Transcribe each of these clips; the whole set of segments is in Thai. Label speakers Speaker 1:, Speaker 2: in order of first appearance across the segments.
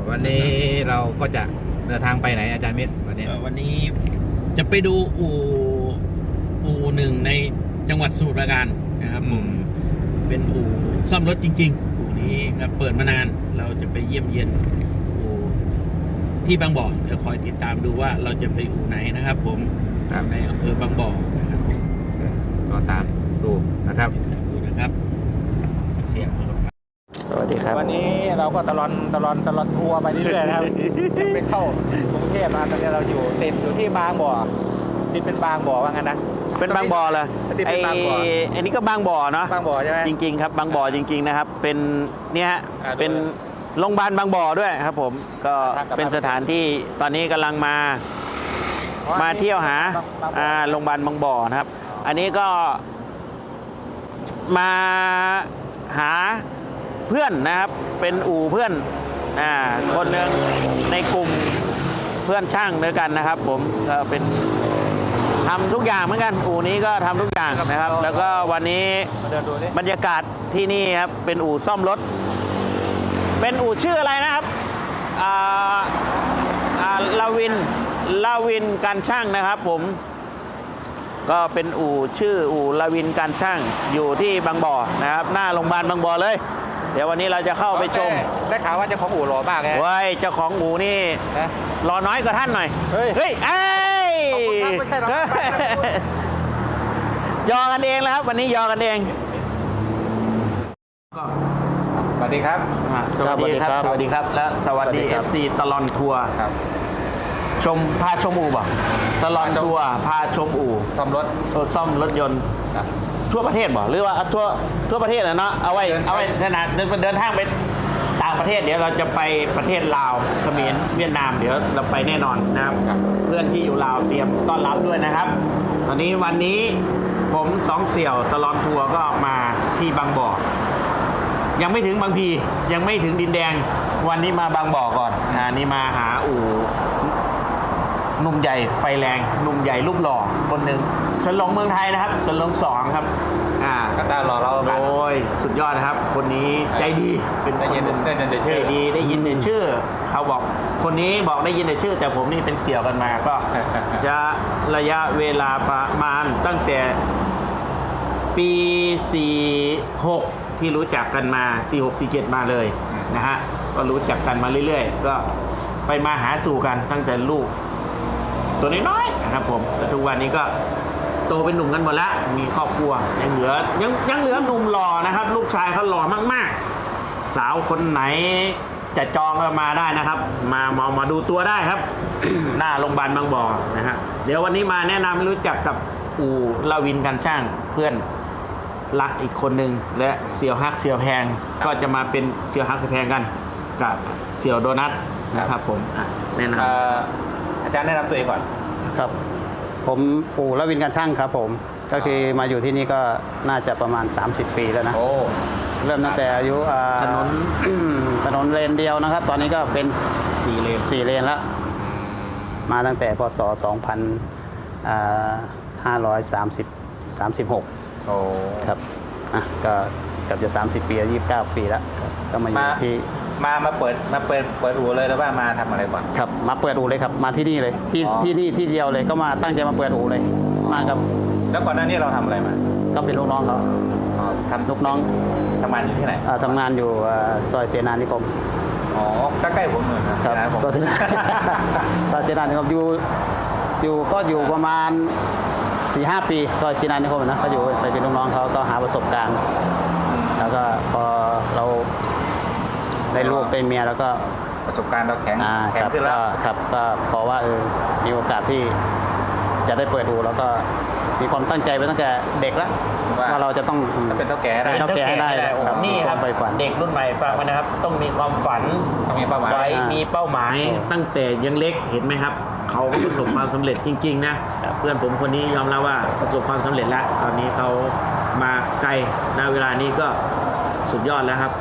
Speaker 1: วันนี้เราก็จะเดินทางไปไหนอาจารย์มิตรวันนี้
Speaker 2: จะไปดูอู่หนึ่งในจังหวัดสมุทรปราการนะครับผมเป็นอู่ซ่อมรถจริงๆอู่นี้ครับเปิดมานานเราจะไปเยี่ยมเยียนอู่ที่บางบ่อเดี๋ยวคอยติดตามดูว่าเราจะไปอู่ไหนนะครับผมในอำเภอบางบ่อนะครับ
Speaker 1: รอตามดูนะครับ
Speaker 2: ดูนะครับเสียงสวัสดีครับ
Speaker 1: วันนี้เราก็ตลอดทัวร์ไปเรื่อยๆนะครับไปเข้ากรุงเทพนะตอนนี้เราติดอยู่ที่บางบ่อติดเป็นบางบ่อว่างั้นนะ
Speaker 2: เป็นบางบ่อเลยอันนี้ก็บางบ่อเนาะ
Speaker 1: บางบ่อใช่ไหม
Speaker 2: จริงๆครับบางบ่อจริงๆนะครับเป็นเนี่ยเป็นโรงพยาบาลบางบ่อด้วยครับผมก็เป็นสถานที่ตอนนี้กำลังมาเที่ยวหาโรงพยาบาลบางบ่อนะครับอันนี้ก็มาหาเพื่อนนะครับเป็นอู่เพื่อนคนหนึ่งในกลุ่มเพื่อนช่างด้วยกันนะครับผมก็เป็นทำทุกอย่างเหมือนกันอู่นี้ก็ทำทุกอย่างนะครับแล้วก็วันนี้บรรยากาศที่นี่ครับเป็นอู่ซ่อมรถเป็นอู่ชื่ออะไรนะครับลาวินการช่างนะครับผมก็เป็นอู่ชื่ออู่ลาวินการช่างอยู่ที่บางบ่อนะครับหน้าโรงพยาบาลบางบ่อเลยเดี๋ยววันนี้เราจะเข้าไปชม
Speaker 1: ได้ข่าวว่าเจ้าของอู่หล่อมากเลย
Speaker 2: เว้ยเจ้าของอู่นี่หล่อน้อยกว่าท่านหน่อยเฮ้ย
Speaker 1: ไม่ใช่หรอก
Speaker 2: ยอกันเองแล้วครับวันนี้ยอกันเอง
Speaker 1: สวัสดีครับ
Speaker 2: สวัสดีครับสวัสดีครับและสวัสดี FC ตลอดทัวร์พาชมอู่บ่ตลอดทัวร์พาชมอู่
Speaker 1: ซ่อม
Speaker 2: รถยนต์ทั่วประเทศบ่หรือว่าทั่วประเทศนะเนาะเอาไว้ขนาดเดินทางไปต่างประเทศเดี๋ยวเราจะไปประเทศลาวเขมรเวียดนามเดี๋ยวเราไปแน่นอนนะครับเพื่อนที่อยู่ลาวเตรียมต้อนรับด้วยนะครับตอนนี้วันนี้ผมสองเสี่ยวตลอดทัวร์ก็มาที่บางบ่อยังไม่ถึงบางพียังไม่ถึงดินแดงวันนี้มาบางบ่อก่อนนี่มาหาอู่หนุ่มใหญ่ไฟแรงหนุ่มใหญ่รูปหล่อคนหนึ่งสนหลงเมืองไทยนะครับสนหลง2ครับ
Speaker 1: ก็ตาหล่อเรา
Speaker 2: โอ้ยสุดยอดนะครับคนนี้ใจดี
Speaker 1: เป็นได้ยินแต่ชื่อ
Speaker 2: ได้ยินแต่ชื่อเขาบอกคนนี้บอกได้ยินแต่ชื่อแต่ผมนี่เป็นเสี่ยวกันมาก็จะระยะเวลาประมาณตั้งแต่ปี46ที่รู้จักกันมา46-47มาเลยนะฮะก็รู้จักกันมาเรื่อยๆก็ไปมาหาสู่กันตั้งแต่ลูกตัวน้อยๆนะครับผมทุกวันนี้ก็โตเป็นหนุ่มกันหมดแล้วมีครอบครัวยังเหลือหนุ่มหล่อนะครับลูกชายเขาหล่อมากๆสาวคนไหนจะจองก็มาได้นะครับมาดูตัวได้ครับ หน้าโรงพยาบาลบางบ่อนะฮะเดี๋ยววันนี้มาแนะนำรู้จักกับอู่ลาวินการช่างเพื่อนรักอีกคนหนึ่งและเสี่ยวฮักเสี่ยวแพงก็จะมาเป็นเสี่ยวฮักเสี่ยวแพงกันกับเสี่ยวโดนัทนะครับผมแนะนำ
Speaker 1: อาจารย์แนะนำตัวเองก่อน
Speaker 3: ครับผมปู่ลาวินการช่างครับผมก็คือมาอยู่ที่นี่ก็น่าจะประมาณ30 ปีแล้วนะเริ่มตั้งแต่อายุถนนเลนเดียวนะครับตอนนี้ก็เป็น4 เลนแล้วมาตั้งแต่พศ2536ครับก็เกือบจะ30 ปี29 ปีแล้วก็มาอยู่ที่
Speaker 1: มาเปิดอู่เลยแล้วว่ามาทำอะไรก่อน
Speaker 3: ครับมาเปิดอู่เลยครับมาที่นี่เลยที่นี่ที่เดียวเลยก็มาตั้งใจมาเปิดอู่เลยมากับ
Speaker 1: แล้วก่อนหน้านี้เราทำอะไรมา
Speaker 3: ก็เป็นลูกน้องเขา
Speaker 1: ทำลูกน้องทำงานอยู่ที่ไหน
Speaker 3: ทำงานอยู่ซอยเสนานิคม
Speaker 1: ใกล้ๆผมเลย
Speaker 3: ครับซอยเสนานิคมอยู่ประมาณ4-5 ปีซอยเสนานิคมนะก็อยู่ไปเป็นลูกน้องเขาก็หาประสบการณ์แล้วก็พอเราได้ลูกได้เมียแล้วก็
Speaker 1: ประสบการณ์เราแข็งขึ้นแล้ว
Speaker 3: ครับก็เพราะว่ามีโอกาสที่จะได้เปิดอู่แล้วก็มีความตั้งใจไปตั้งแต่เด็กแล้วว่าเราจะต้อง
Speaker 1: เป็นเท่าแก่
Speaker 3: ให้ได้
Speaker 2: นี่ครับเด็กรุ่นใหม่ฟังไว้นะครับต้องมีความฝัน
Speaker 1: ต้องมีเป้าหมาย
Speaker 2: มีเป้าหมายตั้งแต่ยังเล็กเห็นไหมครับเขาประสบความสำเร็จจริงๆนะเพื่อนผมคนนี้ยอมรับว่าประสบความสำเร็จแล้วตอนนี้เขามาไกลณเวลานี้ก็สุดยอดแล้วครับ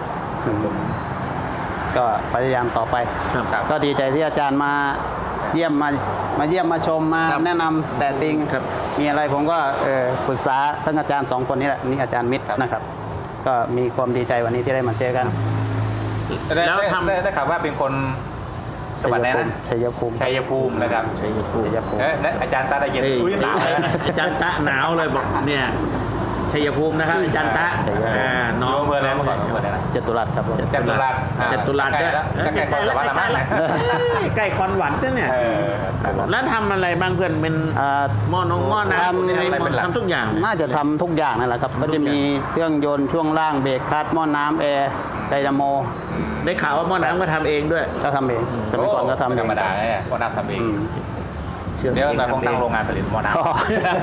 Speaker 3: ก็พยายามต่อไปก็ดีใจที่อาจารย์มาเยี่ยมมาชมมาแนะนำแต่ติงมีอะไรผมก็ปรึกษาทั้งอาจารย์2 คนนี้แหละนี่อาจารย์มิตรนะครับก็มีความดีใจวันนี้ที่ได้มาเจอกัน
Speaker 2: แล้วทำ
Speaker 1: ได้ข่าวว่าเป็นคนสวัสดีนะ
Speaker 3: ชัยภูมิ
Speaker 1: ชัยภูมินะครับ
Speaker 2: ชัยภูมิ
Speaker 3: ชัยภูมิ
Speaker 1: และอาจารย์ตาได้เย็น
Speaker 2: เอ้ย
Speaker 1: อุ้ยหนาวเลยนะ
Speaker 2: อาจารย์ตะหนาวเลยบอกเนี่ยชัยภูมินะครับอาจารย์ตะ
Speaker 3: ชัยภูมิ
Speaker 2: น้อง
Speaker 1: เมื่อไรเมื่อก่อนเมื่อไรนะ
Speaker 3: จตุรัสครับผม
Speaker 1: จตุรัส
Speaker 2: จตุรัส
Speaker 1: ใกล้แล้วใกล้ๆ
Speaker 2: แล้ว
Speaker 1: ใกล้ๆ
Speaker 2: ใกล้คอนหวันด้วยเนี่ย แล้วทำอะไรบ้างเพื่อนเป็น หม้อน้ำ
Speaker 3: ทำ
Speaker 2: อะไรทำทุกอย่าง
Speaker 3: น่าจะทำทุกอย่างนั่นแหละครับก็จะมีเครื่องยนต์ช่วงล่างเบรกคลัตช์หม้อน้ำแอร์ไดนาโม
Speaker 2: ได้ข่าวว่าหม้อน้ำก็ทำเองด้วย
Speaker 3: ก็ทำเองสมัยก่อนก็ทำเอง
Speaker 1: ธรรมดาเนี่ยหม้อน้ำทำเอง
Speaker 3: อืม
Speaker 1: เดี๋ยวเราคงตั้งโรงงานผลิตหม้อน้ำ
Speaker 3: อ๋อ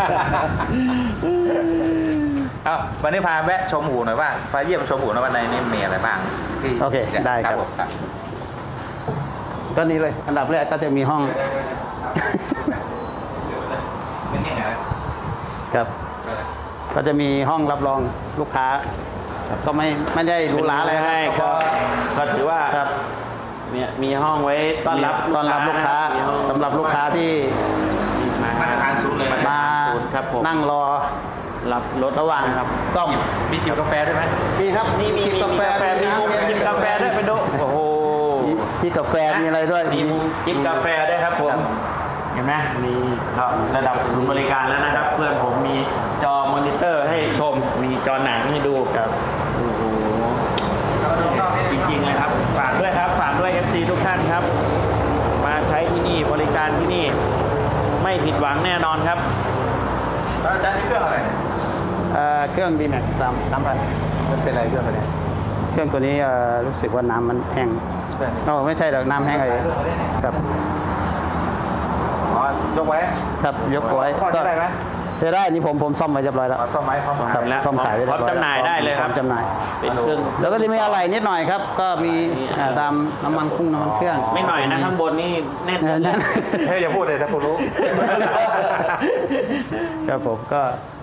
Speaker 1: เอ้าวันนี้พาแวะชมอู่หน่อยว่าพาเยี่ยมชมอู่หน่อยว่าในนี้มีอะไรบ้างที่
Speaker 3: โอเคได้ครับ
Speaker 1: ผมครับ
Speaker 3: ก็นี้เลยอันดับแรกก็จะมีห้อง
Speaker 1: เป็นยังไงนะครับ
Speaker 3: ก็จะมีห้องรับรองลูกค้า ก็ไม่ได้หรูหราอะไร
Speaker 2: ให้ก็ถือว่า
Speaker 3: ครับ
Speaker 2: เนี่ยมีห้องไว้ต้อนรับ
Speaker 3: ลูกค้า
Speaker 2: มีห้อง
Speaker 3: สำหรับลูกค้าที่
Speaker 2: มาตรฐานสูงเลย
Speaker 3: มา
Speaker 2: ศูนย์ครับผม
Speaker 3: นั่งรอ
Speaker 2: รับรถ
Speaker 3: ระหว่าง
Speaker 2: นะครับ
Speaker 3: ซ่อม
Speaker 1: มีจิบกาแฟด้วยไหม
Speaker 3: มีครับ
Speaker 2: นี่มี
Speaker 3: กาแฟ
Speaker 2: มีมุมจิบกาแฟด้วยไปดูโอ้โห
Speaker 3: ที่กาแฟมีอะไรด้วย
Speaker 2: มีมุมจิบกาแฟด้วยครับผมเห็นไหมมีครับระดับศูนย์บริการแล้วนะครับ เพื่อนผมมีจอมอนิเตอร์ให้ชม มีจอหนังให้ดู
Speaker 3: ครับ
Speaker 2: โอ้โหจริงๆเลยครับฝากด้วยครับฝากด้วย FC ทุกท่านครับ มาใช้ที่นี่บริการที่นี่ไม่ผิดหวังแน่นอนครับ
Speaker 1: แล้วอาจารย์นี่เครื่องอะไรเนี่ย
Speaker 3: เครื่อง D-Max 3,000
Speaker 1: มันเป็นอะไรเครื่องอะไร
Speaker 3: เครื่องตัวนี้รู้สึกว่าน้ำมันแห้ง
Speaker 1: เครื่องนี้
Speaker 3: โอ้ไม่ใช่หรอกน้ำแห้งเลยครับ
Speaker 1: อ๋อยกไว้
Speaker 3: ครับยกไว้
Speaker 1: พอจะได้ไหม
Speaker 3: จะได้นี่ผมซ่อมไว้เรียบร้อยแล้ว
Speaker 1: อ๋อซ่อมไม้พร้อม
Speaker 3: ครับ
Speaker 2: แล้ว
Speaker 3: ซ่อมขายไว้
Speaker 2: พร้อมจำหน่ายได้เลยครับ
Speaker 3: พอมจำหน่าย
Speaker 2: เป็นเครื่อง
Speaker 3: แล้วก็จะมีอะไรนิดหน่อยครับ ก็มีตามน้ำมันคุ้งน้ำมันเครื่อง
Speaker 2: ไม่หน่อยนะข้างบนนี่แน่น
Speaker 3: นั่น
Speaker 1: เฮ้ยอย่าพูดเลยถ้าคุณรู้
Speaker 3: ครับผมก็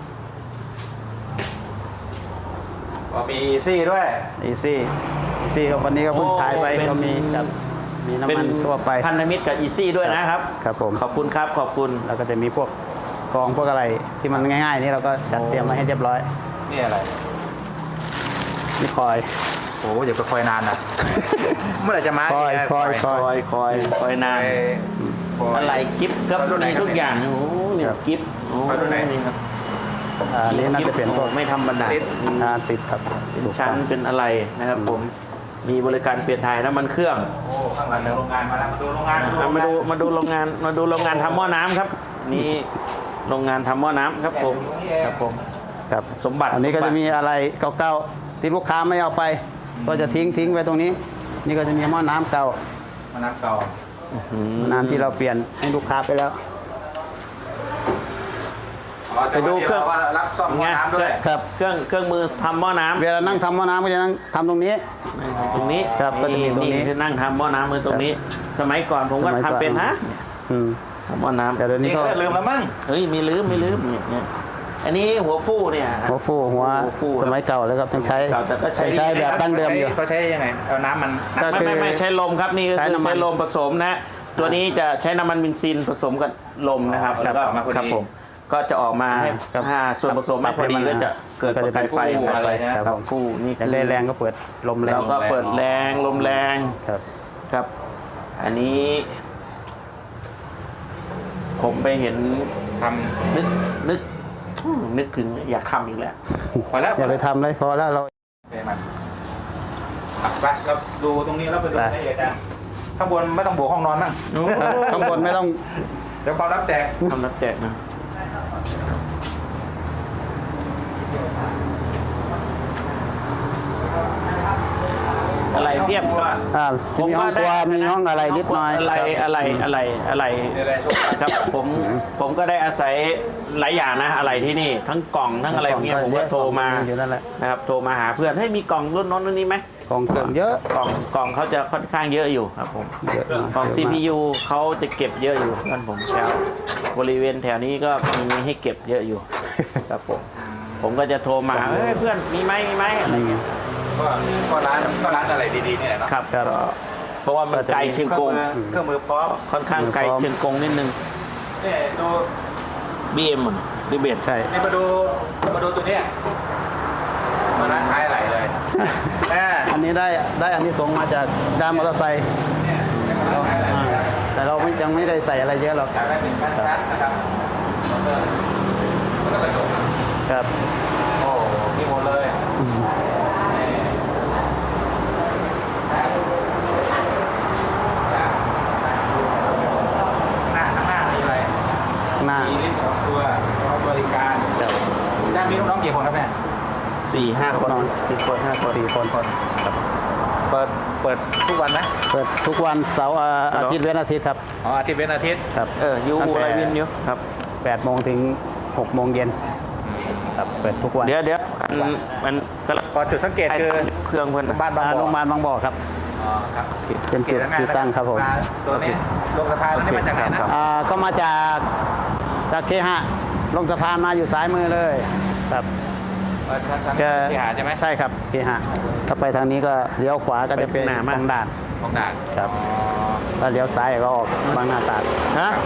Speaker 1: อ๋อมีซี่ด้วย
Speaker 3: อีซี่ก็วันนี้ก็เพิ่งขายไปก็มีครับมีน้ำมันทั่วไป
Speaker 2: พันธมิตรกับอีซี่ด้วยนะครับ
Speaker 3: ครับผม
Speaker 2: ขอบคุณครับขอบคุณ
Speaker 3: แล้วก็จะมีพวกกองพวกอะไรที่มันง่ายๆนี่เราก็จัดเตรียมไว้ให้เรียบร้อย
Speaker 1: นี่อะไร
Speaker 3: นี่คอย
Speaker 1: โอ้อย่าไปคอยนานนะ เมื่อไหร่จะมา
Speaker 3: คอย
Speaker 1: เนี่ย
Speaker 3: คอย
Speaker 2: คอยนาน
Speaker 1: คอย
Speaker 2: อะไรกิฟต์ครับ
Speaker 1: รุ่นไหน
Speaker 2: มี
Speaker 1: ครับ
Speaker 2: ทุกอย่างโอ้โหเนี่ย
Speaker 3: ครับ
Speaker 2: กิฟต์โอ้
Speaker 1: รุ่นไหน
Speaker 2: นี่ครับ
Speaker 3: อันนี้น่าจะเป็นพวก
Speaker 2: ไม่ธรรมดา
Speaker 1: ติด
Speaker 3: ติดครับ
Speaker 2: เป็นชั้นเป็นอะไรนะครับผมมีบริการเปลี่ยนถ่ายน้ำมันเครื่อง
Speaker 1: โอ้ข้างหลังโรงงานมาแล้วมาดูโรงงาน
Speaker 2: มาดูโรงงานทำหม้อน้ำครับ นี่โรงงานทำหม้อน้ำครับผมครับผม
Speaker 3: ครับ
Speaker 2: สมบัติ
Speaker 3: อันนี้ก็
Speaker 2: สมบั
Speaker 3: จะ
Speaker 2: ติ
Speaker 3: มีอะไรเก่าๆที่ลูกค้าไม่เอาไป ก็จะทิ้งไว้ตรงนี้ นี่ก็จะมีหม้อน้ำเก่า
Speaker 1: มาน้ำเก่า
Speaker 2: อื้อหือ
Speaker 3: หม้อน้ำที่เราเปลี่ยนให้ลูกค้าไปแล้ว
Speaker 2: ไปดูเครื่อง
Speaker 1: ว่ารับซ่อมหม้อน้ำด้วย
Speaker 3: ครับ
Speaker 2: เครื่องมือทำหม้อน้ำ
Speaker 3: เวลานั่งทำหม้อน้ำก็จะนั่งทำตรงนี้
Speaker 2: ตรงนี้
Speaker 3: ครับก็จะมีตรงนี้
Speaker 2: คือนั่งทำหม้อน้ำมือตรงนี้ สมัยก่อนผมก็
Speaker 3: สมัยก่อน
Speaker 2: ทำเป็นฮะ
Speaker 3: อืม
Speaker 2: ทำหม้อน้ำ
Speaker 3: แต่เดี๋ยวนี้
Speaker 1: นี่
Speaker 3: ก็
Speaker 1: ก็ลืมแล้วมั้ง
Speaker 2: เฮ้ยไม่ลืมเนี่ยอันนี้หัวฟูเนี่ย
Speaker 3: หัวฟูหัว
Speaker 2: ฟูครับ
Speaker 3: สมัยเก่าแล้วครับยังใช้
Speaker 2: เก่าแต่ก็ใช้
Speaker 3: ใช้แบบดั้งเดิมอยู่
Speaker 1: เขาใช้ยังไงเอาน้ำมัน
Speaker 3: ก็คือ
Speaker 2: ไม่ใช้ลมครับนี่ก็
Speaker 3: ใช้
Speaker 2: คือ
Speaker 3: น้ำมัน
Speaker 2: ใช้ลมผสมนะ ตัวนี้จะใช้น้ำมันเบนซินผสมกับลมนะครับแล้วก็ครับผมก็จะออกมาให้
Speaker 3: ครับ
Speaker 2: ส่วนผสมไม่พอดีก็จะเกิดประกายไฟ
Speaker 3: ก็จะเป็น
Speaker 2: อะไร
Speaker 3: ฟู
Speaker 2: นะครับ
Speaker 3: ผม
Speaker 2: ฟูนี่
Speaker 3: แต่
Speaker 2: คือ
Speaker 3: แรงก็เปิดลมแรง
Speaker 2: แล้วก็เปิดแรงลมแรง
Speaker 3: ครับ
Speaker 2: ครับ อันนี้ ผมไปเห็น
Speaker 1: ท
Speaker 2: นึกถึงอยากทำอีกแล้ว
Speaker 1: ำพอแล้ว
Speaker 3: อย่าไปทำเลยพอแล้วเรา
Speaker 1: โอเคมันไปเราดูตรงนี้แล้วไปดู
Speaker 3: ไป
Speaker 1: ให้อาจารย์ข้างบนไม่ต้องบวกห้องนอนมั้ง
Speaker 3: ข้างบนไม่ต้อง
Speaker 1: เดี๋ยวความรับแตก
Speaker 2: ทำนับแจกนะอะไรเรียบว่า
Speaker 3: จะมีห้องครัวมีห้องอะไรนิดหน่อย
Speaker 2: อะไร
Speaker 1: นี่อะไรโชว์
Speaker 2: ครับผมก็ได้อาศัยหลายอย่างนะอะไรที่นี่ ทั้งกล่องทั้งอะไรอย่างเงี้ยผมก็โทรมา
Speaker 3: อยู่นั่นแหละ
Speaker 2: นะครับโทรมาหาเพื่อนให้มีกล่องรุ่นโน้นรุ่นนี้ไหม
Speaker 3: กองเครื่องเยอะ
Speaker 2: กล่องเขาจะค่อนข้างเยอะอยู่ครับผม
Speaker 3: เยอะมาก
Speaker 2: กล่อง
Speaker 3: เยอะมาก
Speaker 2: CPU เขาจะเก็บเยอะอยู่ท่านผมแถวบริเวณแถวนี้ก็มีให้เก็บเยอะอยู่ครับผมก็จะโทรมาเฮ้ยเพื่อนมีไหมอะไรเงี้ย
Speaker 1: ก็ร้านอะไรดีๆนี่แหละเนาะ
Speaker 2: ครับ
Speaker 3: ครับ
Speaker 2: เพราะว่ามันไกลเชียงกง
Speaker 1: เครื่องมือพร้อม
Speaker 2: ค่อนข้างไกลเชียงกงนิดนึง
Speaker 1: นี่ดู
Speaker 2: BM หรือเบส
Speaker 3: ใช่
Speaker 1: นี่มาดูตัวเนี้ยมาร้านขายอะไรเลย
Speaker 3: อันนี้ได้อันนี้ส่งส์มาจากด้านมอเตอร์ไซค์แต่เรายังไม่ได้ใส่อะไรเยอะหรอก
Speaker 1: อยากได้เป็นชั้นๆนะครับแล้วก็กระจก
Speaker 3: ครับ
Speaker 1: โอ้มีหมดเลย
Speaker 3: อืม
Speaker 1: ข้างหน้ามีอะไร
Speaker 3: หน้า
Speaker 1: มีลิฟต์ของตัวรับบริการ
Speaker 3: ครับ
Speaker 1: ด้านมีลูกน้องกี่คนครับเนี่ย
Speaker 2: 4-5 คน4 คน 5 คน
Speaker 3: 4 คน
Speaker 1: เปิดทุกวันไหม
Speaker 3: เปิดทุกวันเสาร์อาทิตย์เว้นอาทิตย์ครับ
Speaker 1: อ๋ออาทิตย์เว้นอาทิตย์
Speaker 3: ครับ
Speaker 2: ยู
Speaker 3: ตั้งแต่
Speaker 2: ไรวินอยู่ครับ
Speaker 3: 8 โมงถึง 6 โมงเย็นครับเปิดทุกวัน
Speaker 2: เดี๋ยวมันก็
Speaker 1: พอจุดสังเกตคือ
Speaker 2: เครื่องเพื่อน
Speaker 1: บ้านบางบ่อ
Speaker 3: โรงพยาบาลบางบ่อครับ
Speaker 1: อ๋อครับ
Speaker 3: เป็นจุดที่ตั้งครับผม
Speaker 1: ตัวนี้ลงสะพานนี่มาจากไหนนะ
Speaker 3: ก็มาจากเคหะลงสะพานมาอยู่ซ้ายมือเลยครับ
Speaker 1: ที่หาดใช่ไหม
Speaker 3: ใช่ครับเคหะถ้าไปทางนี้ก็เลี้ยวขวาก็จะเป็นของด่าน
Speaker 1: ของด่าน
Speaker 3: ครับ ถ้าเลี้ยวซ้ายก็ออกบางนาตราด
Speaker 2: ฮะ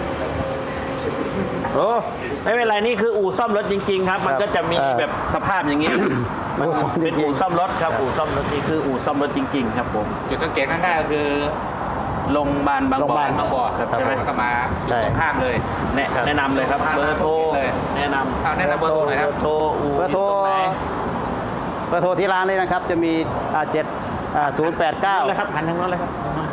Speaker 2: โอ้ไม่เป็นไรนี่คืออู่ซ่อมรถจริงๆครับ มันก็จะมีแบบสภาพอย่างนี้ มันเป็นอู่ซ่อมรถครับอู่ซ่อมรถนี่คืออู่ซ่อมรถจริงๆครับผม
Speaker 1: จุดสังเกตง่ายๆก็คือ
Speaker 2: โรงพยาบาลบางบ่อ
Speaker 1: บางบ่อ
Speaker 2: ครับใช่ไหม
Speaker 1: แล้วก็มาอยู่ตรงข้ามเลย
Speaker 2: แนะนำเลยครับเบอร์โทร
Speaker 1: เลย
Speaker 2: แนะนำ
Speaker 1: เอาแนะนำเบอร์โทรหน่อยครับ
Speaker 2: โทรอู่
Speaker 3: เบอร์โทร
Speaker 2: อยู่งไหน
Speaker 3: เบอร์โทรที่ร้านเลยนะครับ จะมี089
Speaker 2: เลยครับหันทางโน้นเลยครับ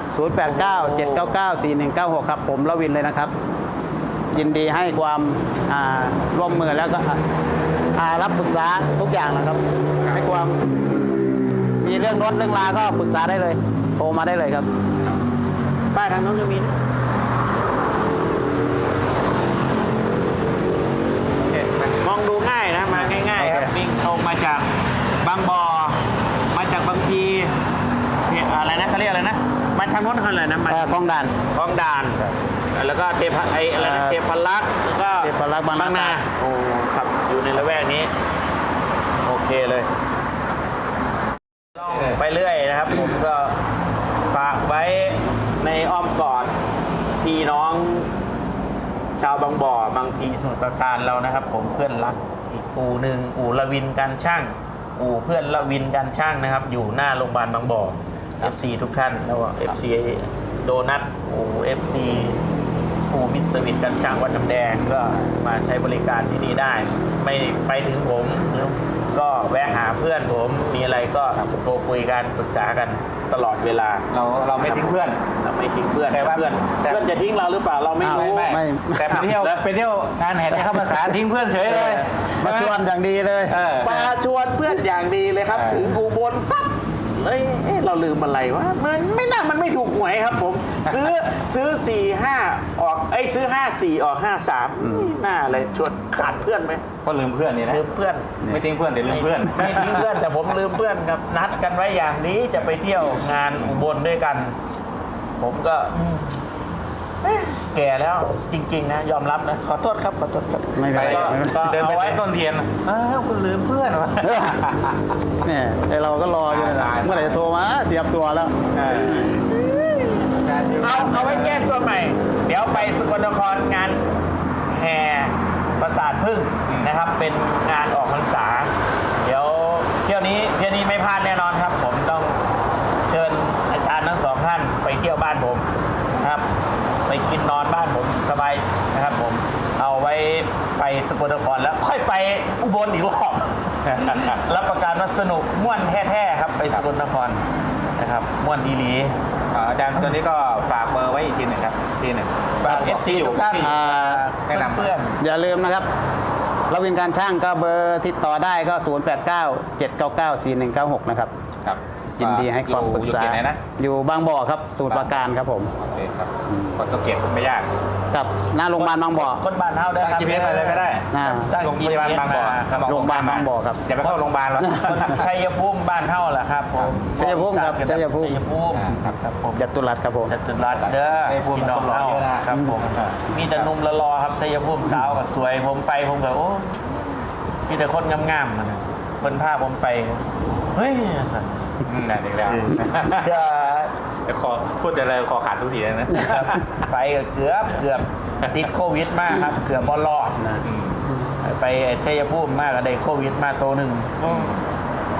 Speaker 3: 089-799-4196 ครับผมละวินเลยนะครับ ยินดีให้ความร่วมมือแล้วก็รับปรึกษาทุกอย่างนะครับ ให้ความมีเรื่องรถเรื่องลาก็ปรึกษาได้เลย โทรมาได้เลยครับ
Speaker 2: ป้ายทางโน้นจะมีนะ มองดูง่ายนะมาง่ายๆครับ
Speaker 3: โอเค
Speaker 2: วิ่งตรงมาจากบางบ่อมาจากบางพีอะไรนะเขาเรียกอะไรนะมาทางโน้นเขาอะไรนะมา
Speaker 3: คลองด่าน
Speaker 2: คลองด่าน แล้วก็เทพอะไรนะเทพรักษ์แล้วก็
Speaker 3: เทพรักษ์บางนา
Speaker 2: นาโอ้ครับอยู่ในละแวกนี้ โอเคเลยไปเรื่อยนะครับ ผมก็ฝากไว้ในอ้อมกอดพี่น้อง ชาวบางบ่อบางพีสมุทรปราการเรานะครับ ผมเพื่อนรักอีกอู่หนึ่งอู่ละวินการช่าง อู่เพื่อนละวินการช่างนะครับ อยู่หน้าโรงพยาบาลบางบ่อ FC ทุกท่านแล้วก็ FC โดนัทอู่ FC อู่มิตรสวิทการช่างวัดน้ำแดงก็มาใช้บริการที่นี่ได้ ไม่ไปถึงผมก็แวะหาเพื่อนผมมีอะไรก็โทรคุยกันปรึกษากันตลอดเวลา
Speaker 1: เราไม่ทิ้งเพื่อน
Speaker 2: เราไม่ทิ้งเพื่อน
Speaker 1: แต่ว่า
Speaker 2: เพื่อน
Speaker 1: แต่
Speaker 2: จะทิ้งเราหรือเปล่าเราไม่รู้
Speaker 3: ไม่
Speaker 1: แต่ไปเที่ยวงานแห่เทียนข้าวพรรษาทิ้งเพื่อนเฉยเลย
Speaker 3: มาชวนอย่างดีเลย
Speaker 2: มาชวนเพื่อนอย่างดีเลยครับ ถึงอุบลปั๊บเอ้ยเราลืมอะไรวะมันไม่น่ามันไม่ถูกหวยครับผม ซื้อ4-5ออกซื้อ5-4ออก5-3น่าเลยชวนขาดเพื่อนไหม
Speaker 1: ก็ลืมเพื่อนนี่นะ
Speaker 2: ลืมเพื่อน
Speaker 1: ไม่ทิ้งเพื่อนแต่ลืมเพื่อน
Speaker 2: ไม่ทิ้งเพื่อนแต่ผมลืมเพื่อนครับนัดกันไว้อย่างนี้จะไปเที่ยวงานอุบลด้วยกัน ผมก็แก่แล้วจริงๆนะยอมรับนะขอโทษครับขอโทษครับ
Speaker 3: ไม่เป็นไร
Speaker 2: ก็
Speaker 1: เดินไป
Speaker 2: เอาไว้
Speaker 1: ใช้ต้นเทียนคุณลืมเพื่อนวะ
Speaker 3: เนี่ยไอเราก็รออยู่นะเมื่อไหร่จะโทรมาเตรียมตัวแล้ว
Speaker 2: เอาไว้แก้ตัวใหม่ เดี๋ยวไปสกลนครงานแห่ประสาทพึ่งนะครับ เป็นงานออกพรรษา เดี๋ยวเที่ยวนี้ไม่พลาดแน่นอนครับ ผมต้องเชิญอาจารย์ทั้งสองท่านไปเที่ยวบ้านผมนะครับ ไปกินนอนบ้านผมสบายนะครับ ผมเอาไว้ไปสกลนครแล้วค่อยไปอุบลอีกรอบ รับประกันว่าสนุกม่วนแท้ๆครับไปสกลนครนะครับม่วนอีหลี
Speaker 1: อาจารย์ตัวนี้ก็ฝากเบอร์ไว้อีกทีหนึ่งครับทีหนึ่ง
Speaker 2: ฝาก FC ทุกท่าน
Speaker 1: แนะนำ
Speaker 2: เพื่อน
Speaker 3: อย่าลืมนะครับเราวินการช่างก็เบอร์ติดต่อได้ก็ 089-799-4196 นะครับ
Speaker 1: ครับ
Speaker 3: ยินดีให้ความปรึกษา
Speaker 1: อยู่เขตไหนนะ
Speaker 3: อยู่บางบ่อครับสมุทรปราการครับผม
Speaker 1: โอเคครับคนสังเกตไม่ยาก
Speaker 3: กับหน้าโรงพยาบาลบางบ่อ
Speaker 2: คนบ้านเฮาได้ครับ
Speaker 1: ตั้ง GPS ไปเลยก็ได้
Speaker 2: ตั้ง
Speaker 1: โรงพยาบาลบางบ่อ
Speaker 2: ครับ
Speaker 3: โรงพยาบาลบางบ่อครับ
Speaker 1: อย่าไปเข้าโรงพยาบาลหรอก
Speaker 2: คนชัยภูมิบ้านเฮาแหละครับผม
Speaker 3: ชัยภูมิครับชัยภูมิ
Speaker 2: ชัยภูมิ
Speaker 1: ครับ
Speaker 2: ผม
Speaker 3: จัตุรัสครับผม
Speaker 2: จัตุรัสเด้อ
Speaker 1: ชัยภูมิ
Speaker 2: พี่น้องเฮา
Speaker 1: คนหล่อเยอะนะครับ
Speaker 2: ผมมีแต่หนุ่มละรอครับชัยภูมิสาวก็สวยผมไปผมก็โอ้มีแต่คนงามๆนะเพิ่นพาผมไปเฮ้ยสัตว์
Speaker 1: นั่นอีกแล้ว
Speaker 2: เดี๋ยว
Speaker 1: เดี๋ยวพูดแต่อะไรคอขาดทุกทีเลยนะ
Speaker 2: ครับไปก็เกือบติดโควิดมากครับ เกือบบอลอด
Speaker 1: อืม
Speaker 2: ไปชัยภูมิมากก็ได้โควิดมาตัวหนึ่ง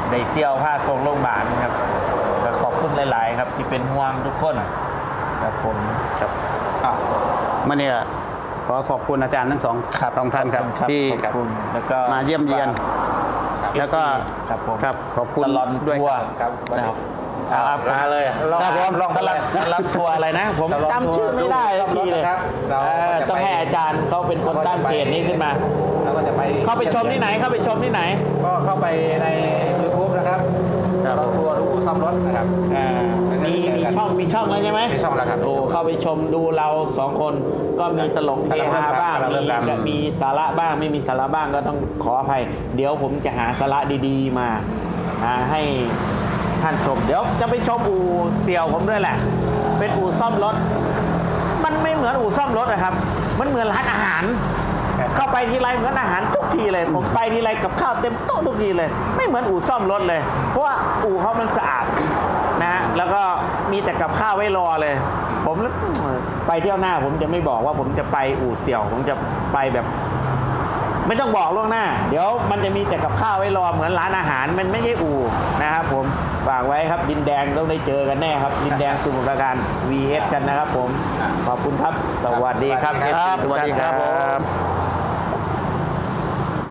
Speaker 2: ได้เซี่ยวผ้าทรงโรงพยาบาลครับก็ขอบคุณหลาย ๆ ครับที่เป็นห่วงทุกคนครับผม
Speaker 3: ครับเมื่อนี้ขอขอบคุณอาจารย์ทั้งสองท่านครับที่
Speaker 2: ขอบคุณแล้วก็
Speaker 3: มาเยี่ยมเยียน แล้วก็
Speaker 2: ครับผม
Speaker 3: ครับขอบคุณ
Speaker 2: ตลอด
Speaker 3: ด้วย
Speaker 2: ทัวร์
Speaker 1: ครับ
Speaker 2: นะครับ
Speaker 1: มาเลย
Speaker 2: ครับผม
Speaker 1: ลอง
Speaker 2: ตลอดทัวร์อะไรนะ ผมจำชื่อไม่ได้สักทีเลย
Speaker 1: ครับเรา
Speaker 2: ต้องให้อาจารย์เขาเป็นคนตั้งเพจนี้ขึ้นมา
Speaker 1: เราก็จะไป
Speaker 2: เข้าไปชมที่ไหนเข้าไปชมที่ไหน
Speaker 1: ก็เข้าไปใน YouTube นะครับ
Speaker 3: ครับ
Speaker 1: เราทัวร์รู้ซ่อมรถนะครับ
Speaker 2: มีช่องแล้วใช่ไหม
Speaker 1: มีช่องแล้วครับ
Speaker 2: โอ้เข้าไปชมดูเราสองคนก็มีตลกเฮฮาบ้าง
Speaker 1: กำลังเริ่มดัง
Speaker 2: มีสาระบ้างไม่มีสาระบ้างก็ต้องขออภัย เดี๋ยวผมจะหาสาระดีๆมาให้ท่านชม เดี๋ยวจะไปชมอู่เสี่ยวผมด้วยแหละ เป็นอู่ซ่อมรถ มันไม่เหมือนอู่ซ่อมรถนะครับ มันเหมือนร้านอาหาร เข้าไปทีไรเหมือนอาหารทุกทีเลย ผมไปทีไรกับข้าวเต็มโต๊ะทุกทีเลย ไม่เหมือนอู่ซ่อมรถเลย เพราะว่าอู่เขามันสะอาดนะฮะ แล้วก็มีแต่กับข้าวไว้รอเลย ผมไปเที่ยวหน้าผมจะไม่บอกว่าผมจะไปอู่เสี่ยว ผมจะไปแบบ ไม่ต้องบอกล่วงหน้า เดี๋ยวมันจะมีแต่กับข้าวไว้รอเหมือนร้านอาหาร มันไม่ใช่อู่นะครับผมฝากไว้ครับดินแดงต้องได้เจอกันแน่ครับ ดินแดงสมุทรปราการ VS กันนะครับผม ขอบคุณครับ สวัสดีครับ
Speaker 3: ครับ
Speaker 2: FC ทุกท่าน
Speaker 3: สวัสดีครับผม